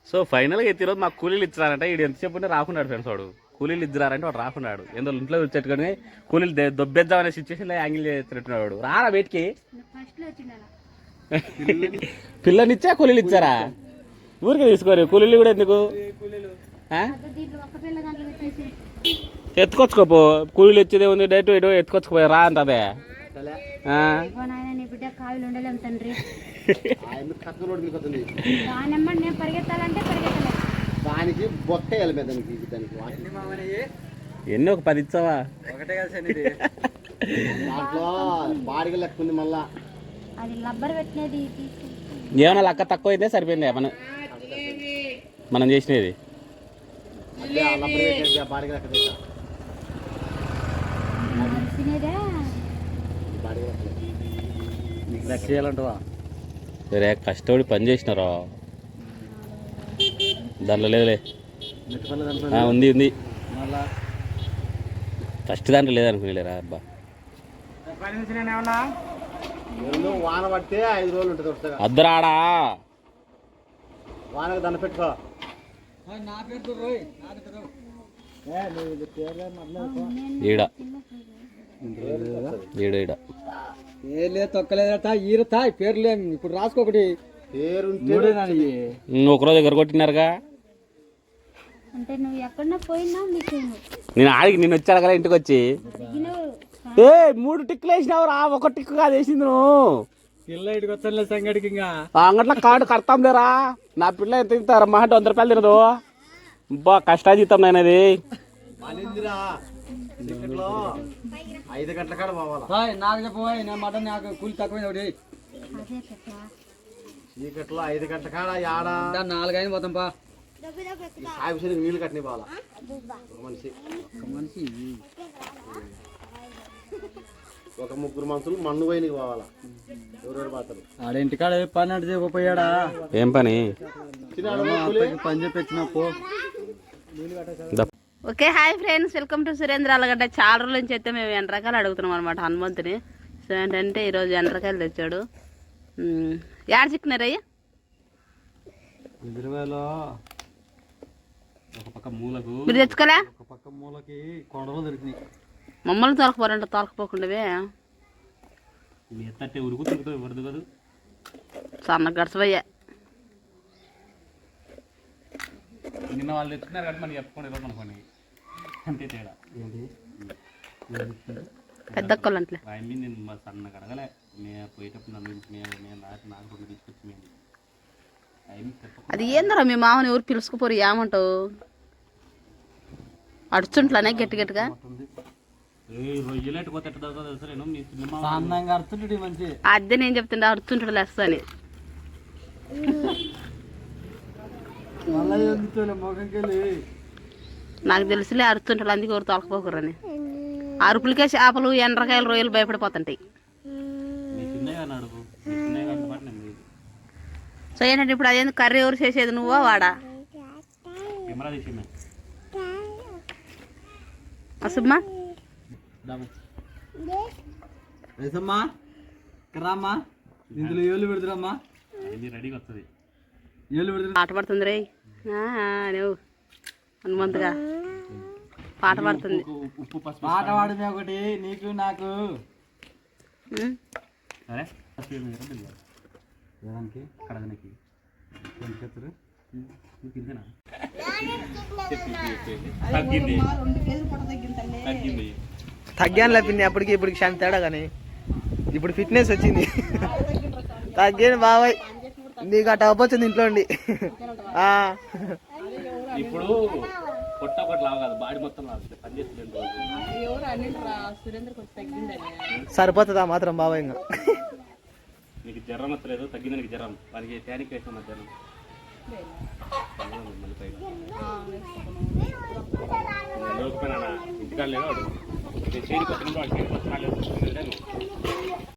So ఫైనల్గా అయితే ఈరోజు మాకు కూలీలు ఇచ్చారంటే వీడు ఎంత చెప్పుంటే రాకున్నాడు ఫ్రెండ్స్. వాడు కూలీలు ఇద్దరంటే వాడు రాకున్నాడు. ఎందులో ఇంట్లో వచ్చేట్టుకొని కూలీలు దొబ్బేద్దామనే సిచ్యువేషన్లో యాంగిల్ చేస్తున్నట్టున్నాడు వాడు. రారా బయటికి. పిల్లనిచ్చా కూలీలు ఇచ్చారా? ఊరికే తీసుకోరు కూలీలు కూడా ఎందుకు? ఎత్తుకొచ్చుకోపో. కూలీలు వచ్చేదే ఉంది డైరెక్ట్ ఇటు ఎత్తుకొచ్చుకోపోయా రా అంటదే. దానికి బొక్క ఎన్ని ఒక 10 ఇచ్చావా? దాంట్లో బాడిగ లెక్క ఉంది. మళ్ళా ఏమన్నా లెక్క తక్కువ అయితే సరిపోయింది మనం చేసినది. బాడిగ లెక్క నీకు లెక్క చేయాలంటవా? సరే కష్టపడి పని చేసినారా? దాంట్లో లేదులే. ఉంది ఉంది. ఫస్ట్ దాంట్లో లేదనుకునేలేరా అబ్బా. వాన పడితే 5 రోజులు ఉంటుంది. అద్దరాడా వానకు దండ పెట్టుకో. ఈడ ఈడ ఈడ తొక్కలేదట ఈరతా పేర్లు ఇప్పుడు రాసుకోకటి పేరు ఒకరోజు దగ్గర కొట్టినారుగా. అంటే నువ్వు ఎక్కడన్నా పోయినా నేను ఆడికి నేను వచ్చాను కదా ఇంటికి వచ్చి. 3 టిక్కులు వేసినావు రా. 1 టిక్కు కాదు వేసింది నువ్వు. పిల్ల ఇటుకు వచ్చలే సంగడికి ఇంకా అంగట్లో కార్డు కడతాం లేరా. నా పిల్ల ఎంత తింటారా? మా అంటే 100 రూపాయలు తినదు. బా కష్టాజీతం నేనది. 5 గంటల కాడ పోవాలి. నాకు చెప్పబోయ్ నేను మటన్ నాకు కూలి తక్కువ ఒకటి. చీకట్లో 5 గంటల కాడ ఆడా 4 అయిన పోతాం పా. సాయి నీళ్ళు కట్టిన పోవాలా మనిషి. ఒక 3 మనుషులు మన్ను పోయినకి పోవాలా. ఎవరెవరు పోతారు? ఆడింటికాడ పని అంటే చెప్పపోయాడా? ఏం పని? పని చెప్పొచ్చిన పో. Okay hi friends, welcome to Surendra Alagadda. చాలా రోజుల నుంచి అయితే మేము ఎండ్రకాయలు అడుగుతున్నాం అనమాట హనుమంతుని. సో ఏంటంటే ఈరోజు ఎండ్రకాయలు తెచ్చాడు. యాడ చిక్కినారయ్యా? ఎదురువేలో ఒక పక్క మూలకు మీరు తెచ్చుకోలే? ఒక పక్క మూలకి కొండలు దొరికినాయి. మమ్మల్ని తొలకపోరంట తొలకపోకుండా సన్న గడసవయ్యా. నిన్న వాళ్ళు తెచ్చుకున్నారు కాబట్టి మనం చెప్పుకోండి ఈరోజు అనుకోండి అంతే తేడా. పెద్ద కొలంట్లే నేను మా సన్నగా అడగలే. మేము పోయేటప్పుడు మేము నాకు తీసుకొచ్చి మేము అది ఏందరా మీ మామని ఎవరు పిలుచుకుపోరు ఏమంటావు? అడుచుంట్లానే గట్టి గట్టిగా అదే నేను చెప్తుండే అడుచుంటాడు లేస్తా అని. నాకు తెలుసులే అరుతుంటాడు అందుకే ఎవరు తొలకపోకరని. అరుపులకే చేపలు ఎండ్రకాయలు రొయ్యలు భయపడిపోతుంటాయి. సో ఏంటంటే ఇప్పుడు అదేందుకు కర్రీ ఎవరు చేసేది? నువ్వా వాడా? అసమ్మా రామ్మా ఇందులో ఏళ్ళు పెడుతురమ్మా. పాట పడుతుంది రే నువ్వు హనుమంతుగా పాట పడుతుంది. పాట పాడమే ఒకటి నీకు నాకు. తగ్గానులే పిన్ని, అప్పటికి ఇప్పటికి శాంతి తేడా కానీ ఇప్పుడు ఫిట్నెస్ వచ్చింది. తగ్గాను బాబాయ్, నీకు అట్ట అవ్వచ్చింది ఇంట్లో ఉండి. ఇప్పుడు పొట్ట ఒకటి లావు కాదు, బాడీ మొత్తం లాగుతుంది. పని చేస్తుంది సరిపోతుందా మాత్రం బాబాయ్? ఇంకా నీకు జ్వరం వస్తలేదు, తగ్గింది నీకు జ్వరం. వానికి ట్యానిక్ వేసాం జ్వరం. ఇంటికాడ లేదు వాడు. చేడికి వస్తున్నాడు, వాడు చేడికి వస్తున్నాడు.